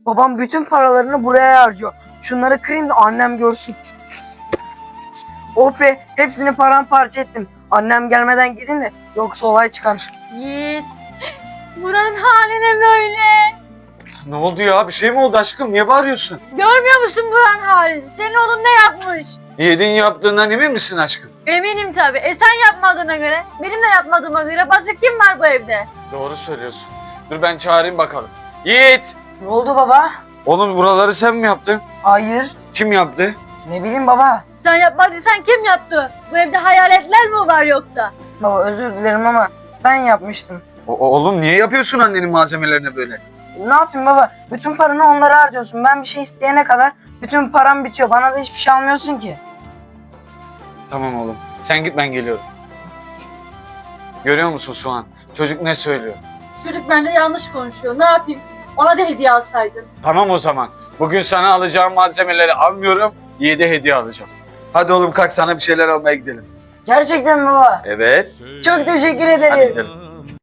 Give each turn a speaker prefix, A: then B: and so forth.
A: Babam bütün paralarını buraya harcıyor. Şunları kırayım da annem görsün. Oh be, hepsini paramparça ettim. Annem gelmeden gidin de yoksa olay çıkar.
B: Yiğit. Buranın haline böyle.
C: Ne oldu ya? Bir şey mi oldu aşkım? Niye bağırıyorsun?
B: Görmüyor musun buranın halini? Senin oğlun ne yapmış?
C: Yiğit'in yaptığından emin misin aşkım?
B: Eminim tabii. Sen yapmadığına göre, benim de yapmadığıma göre başka kim var bu evde?
C: Doğru söylüyorsun. Dur ben çağırayım bakalım. Yiğit!
A: Ne oldu baba?
C: Oğlum buraları sen mi yaptın?
A: Hayır.
C: Kim yaptı?
A: Ne bileyim baba.
B: Sen yapmadıysan kim yaptı? Bu evde hayaletler mi var yoksa?
A: Baba özür dilerim ama ben yapmıştım.
C: Oğlum niye yapıyorsun annenin malzemelerine böyle?
A: Ne yapayım baba? Bütün paranı onlara harcıyorsun. Ben bir şey isteyene kadar bütün param bitiyor. Bana da hiçbir şey almıyorsun ki.
C: Tamam oğlum. Sen git ben geliyorum. Görüyor musun Suhan? Çocuk ne söylüyor?
B: Çocuk bence yanlış konuşuyor. Ne yapayım? Ona da hediye alsaydın.
C: Tamam o zaman. Bugün sana alacağım malzemeleri almıyorum. Yiğit'e hediye alacağım. Hadi oğlum kalk sana bir şeyler almaya gidelim.
A: Gerçekten mi baba?
C: Evet.
A: Çok teşekkür
C: Hadi
A: ederim.
C: gidelim.